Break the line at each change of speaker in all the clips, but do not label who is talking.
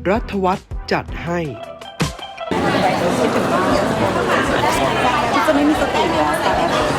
รัฐวัฒน์จัดให้
ที่จะไม่มีสติเลยแต่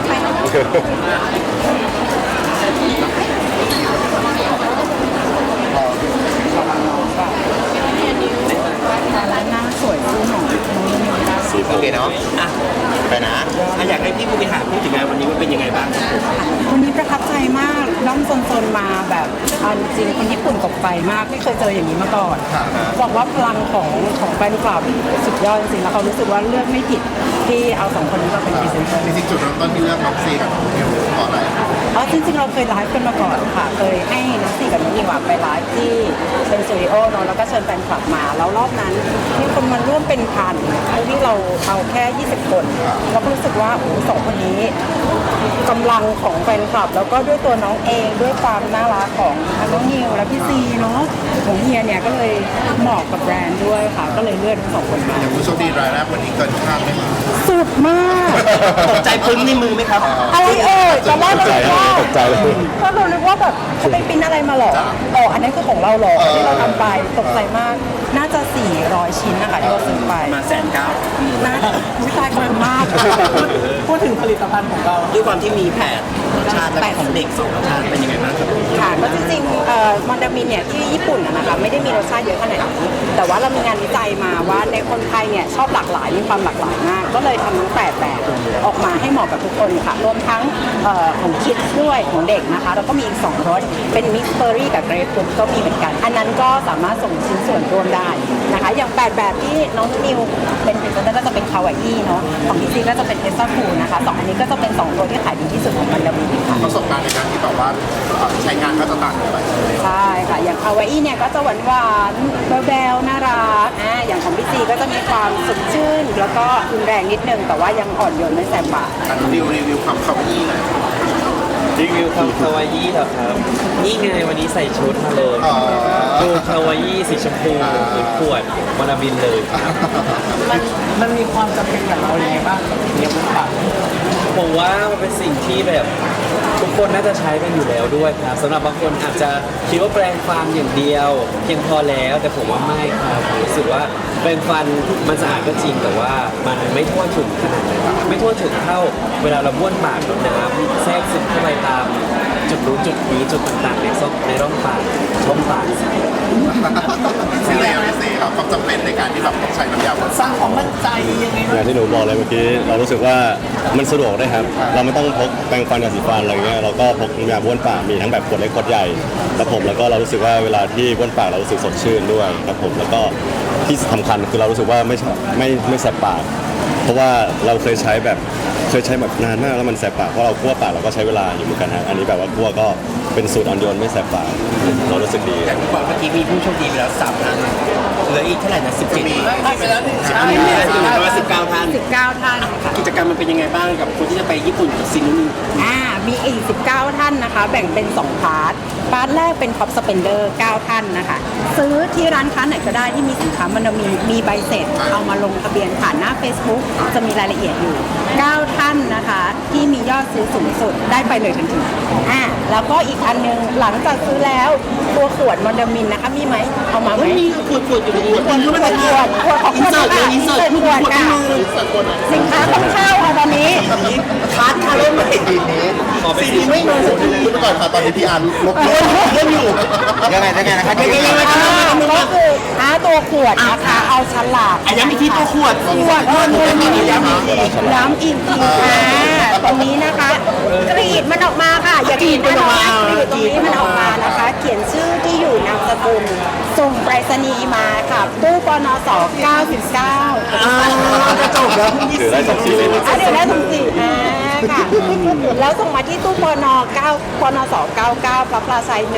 ร้านหน้าสวยคู่ของ
โอเคเนาะไปนะอยากให้พี่ผู้บริหารพูดถึงงานวันนี้ว่าเป็นยังไงบ้างครับผม
วันนี้ประทับใจมากด้อมโซนๆมาแบบจริงคนญี่ปุ่นตกใจมากไม่เคยเจออย่างนี้มาก่อนบอกว่าพลังของแฟนคลับสุดยอดจริงๆแล้วเขารู้สึกว่าเลือกไม่ผิดที่เอาสองคนนี้มาเป็นพรีเซนเตอร์
จริงๆจุดเริ่มต้นที่เลือกน้องซีกับน้องนิวเพราะอะไร
จริงๆเราเคยไลฟ์กันมาก่อนค่ะเคยให้น้องสี่กับน้องนิวไปไลฟ์ที่เป็นสตูดิโอเนาะแล้วก็เชิญแฟนคลับมาแล้วรอบนั้นมีคนมาร่วมเป็นพันที่เราเอาแค่20 คนเราก็รู้สึกว่าโอ้สองคนนี้กำลังของแฟนคลับแล้วก็ด้วยตัวน้องเองด้วยความน่ารักของน้องนิวและพี่ซีเนาะของเฮียเนี่ยก็เลยเหมาะกับแบรนด์ด้วยค่ะก็เลยเลือกทั้งสองคนมา
อย่างผู้โชคดีรายแรกวันนี้เกินคาดไหม
สุดมาก
ตกใจปึ้งในมือไหมครับ
อะไรตอนแรกเราคิดว่า
ตกใจเลย
ก็เราคิดว่าแบบเขาไปปริ้นอะไรมาหรออันนั้นคือของเราหรอที่เราทำไปตกใจมากน่าจะ400 ชิ้นนะคะที่เราซื้อไป
มา190,000
น่าวิจัยขอบคุณมากพูดถึงผลิตภัณฑ์ของเรา
ด้วยความที่มีแผนรสชาติและของเด็กสองรสชาติเป็นยังไงบ้างครับ
ค่ะก็จริงๆมอนดามินเนี่ยที่ญี่ปุ่นนะคะไม่ได้มีรสชาติเยอะขนาดนี้แต่ว่าเรามีงานวิจัยมาว่าในคนไทยเนี่ยชอบหลากหลายมีความหลากหลายมากก็เลยทำทั้ง8แบบออกมาให้เหมาะกับทุกคนค่ะรวมทั้งของคิดด้วยของเด็กนะคะแล้วก็มีอีก2รสเป็นมิกซ์เบอร์รี่กับเกรปฟรุตก็มีเหมือนกันอันนั้นก็สามารถส่งชิ้นส่วนรวมได้นะคะอย่าง8แบบที่น้องนิวเป็นพรีเซนเตอร์ก็จะเป็นคาวาอี้เนาะของพี่ซีก็จะเป็นเทสซาฟูนะคะ2อันนี้ก็จะเป็น2ตัวที่ขายดีที่สุดของมอนดามินค่ะ
ประสบการณ์ในการที่แบบว่าใช้งานก็จะต่างกันไป
ใช่ค่ะอย่างคาวาอี้เนี่ยก็จะหวานหวานๆแบวๆน่ารักอย่างของพี่ซีก็จะมีความสดชื่นแล้วก็รุนแรงนิดนึงแต่ว่ายังอ่อนโยนไม่แสบปาก
รีวิวความเข้าไปนี่เลย
รีวิวคำคาวาอี้เหรอครับ นี่ไงวันนี้ใส่ชุดมาเลยดูคาวาอี้สีชมพูคือขวดวานาบินเลยครับ
มันมีความจำเป็นกับเราอย่างไรบ้างกับเนี้ยมันปาก
ผมว่ามันเป็นสิ่งที่แบบทุกคนน่าจะใช้กันอยู่แล้วด้วยครับสำหรับบางคนอาจจะคิดว่าแปรงฟันอย่างเดียวเพียงพอแล้วแต่ผมว่าไม่ครับผมรู้สึกว่าแปรงฟันมันสะอาดก็จริงแต่ว่ามันไม่ทั่วถึงขนาดนั้นไม่ทั่วถึงเท่าเวลาเราบ้วนปากแล้วน้ำแทรกซึมเข้าไปตามจุดนู้นจุดนี้จุดต่างๆในร่องปากช่องปาก
ซีเรียลซีครับความจำเป็นในการที่แบบต้องใช้น้ำยาบน
สร้างความมั่นใจยังไง
อย่างที่หนูบอกเลยเมื่อกี้เรารู้สึกว่ามันสะดวกด้วยครับเราไม่ต้องพกแปรงฟันกับสีฟันอะไรเงี้ยเราก็พกน้ำยาบ้วนปากมีทั้งแบบขวดเล็กขวดใหญ่ครับผมแล้วก็เรารู้สึกว่าเวลาที่บ้วนปากเรารู้สึกสดชื่นด้วยครับผมแล้วก็ที่สำคัญคือเรารู้สึกว่าไม่แสบปากเพราะว่าเราเคยใช้แบบนานมากแล้วมันแสบปากเพราะเราคั่วปากเราก็ใช้เวลาอยู่เหมือนกันฮะอันนี้แบบว่าคั่วก็เป็นสูตรอ่อนโยนไม่แสบปากเรารู้สึกดี
อย่างที่บอกเมื่อกี้มีผู้โชคดีไปแล้ว3 ท่านเหลืออีกเท่าไหร่นะ17
ไปแล้วนี่
มีประมาณ19 ท่าน
19 ท่านค่ะ
กิจกรรมมันเป็นยังไงบ้างกับคนที่จะไปญี่ปุ่นกับซินนูน
มีอีก19 ท่านนะคะแบ่งเป็น2พาร์ทแรกเป็นท็อปสเปนเดอร์9 ท่านนะคะซื้อที่ร้านค้าไหนก็ได้ที่มีสินค้ามันมีใบเสร็จเอามาลงทะเบียนผ่านหน้า Facebook จะมีรายละเอียดอยู่9 ท่านนะคะที่มียอดซื้อสูงสุดได้ไปเลยทันทีแล้วก็อีกอันนึงหลังจากซื้อแล้วตัวขวดมอนดามินนะคะมีไหมเอามาไหม
มีขวดอยู่ในนี้
ขวดของ
อินเสิร์ตเลยอินเสิร์ต
ขวดค่ะสินค้าต้องเข้าค่ะตอนนี้
คัดค่ะเริ่มใหม่ทีนี้
ขอไป
ซีไม่มาสักที
พูดไปก่อนค่ะตอนนี้พี่อาร์ลบ
เล่นอยู่ยังไงนะครับยังไง
ก็คือตัวขวดนะคะเอาฉลาก
ย้ำอีกทีตัวขวด
ขวดย้ำอีกทีตรงนี้นะคะกรีดมันออกมาค่ะอย่ากรีดมันออกมากรีดตรงนี้มันออกมานะคะ เขียนชื่อที่อยู่นามสกุลส่งไปรษณีย์มาค่ะตู้ปนส99
กระจกแล้ว
ถือได้2 สีเลยนะ
เดี๋ยวได้ทั้งสี่ค่ะแล้วส่งมาที่ตู้ปน9ปนส99พระพลาชัย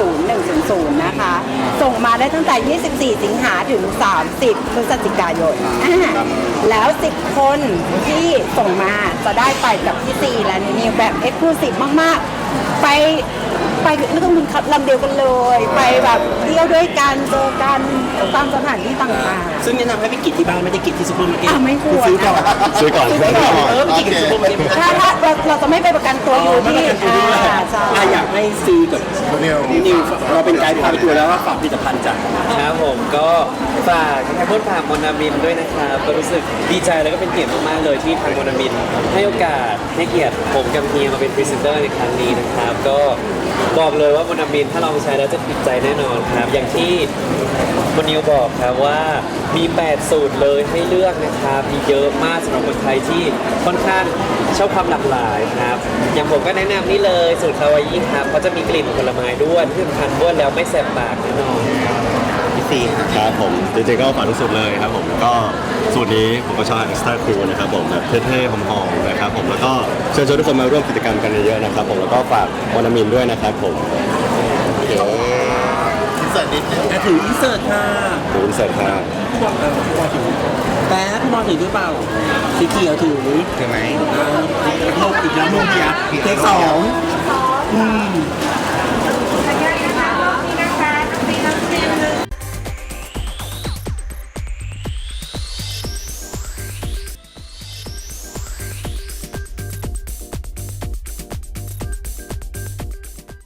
10100นะคะ ส่งมาได้ตั้งแต่ 24 สิงหาถึง 30 พฤศจิกายนแล้ว 10 คนที่ส่งมาจะได้ไปกับพี่ซีและนิวแบบเอ็กซ์คลูซีฟมากๆ ไปไม่ต้องบินลำเดียวกันเลย ไปแบบเที่ยวด้วยกันเจอกันตามสถานที่ต่างๆ
ซึ่งแนะนำให้ไปกินที่บ้านไม่ได้กินที่ซูเปอร์มาร์เก็ต
ไม่ควร
ซื้อก่อน
ซื้อก่อน
ไปกินที่ซูเปอร์มาร์เก็ต
ถ้าเราเราจะไม่ไปประกันตัวอยู่ที่ใช่
อยากให้ซีกับ
นิว
นิวเราเป็นไกด์พาไปทัวร์แล้วว่าฝากผลิตภัณฑ์จ้ะ
ครับผมก็ฝากทางพ่นฝากมอนามินด้วยนะครับก็รู้สึกดีใจแล้วก็เป็นเกียรติมากๆเลยที่ทางมอนามินให้โอกาสให้เกียรติผมกับเฮียมาเป็นพรีเซนเตอร์ในครั้งนี้นะครับก็บอกเลยว่ามอนามินถ้าลองใช้แล้วจะติดใจแน่นอนครับอย่างที่มนิวบอกครับว่ามี 8 สูตรเลยให้เลือกนะครับมีเยอะมากสำหรับคนไทยที่ค่อนข้างชอบความหลากหลายครับอย่างผมก็แนะนำนี่เลยสูตรคาวาอิครับเขาจะมีกลิ่นผลไม้ด้วยที่สำคัญบ้วนแล้วไม่แสบปากแน่นอน
พี่ซี
ครับผมจริงๆก็ฝากทุกสูตรเลยครับผมก็สูตรนี้ผมก็ชอบ Extra Cool นะครับผมแบบเท่ๆหอมๆนะครับผมแล้วก็เชิญชวนทุกคนมาร่วมกิจกรรมกันเยอะๆนะครับผมแล้วก็ฝากวานามินด้วยนะครับผม
อินเสิร์ตนิดนึง
ถืออินเสิร์ตค่ะ
ขอบคุณเสร็จครับ
พี่บอลถือแป๊บพี่บอลถือหรือเปล่าสีเขียวถือไหมลูกอีกแล้วลูกเดียวเทคสอง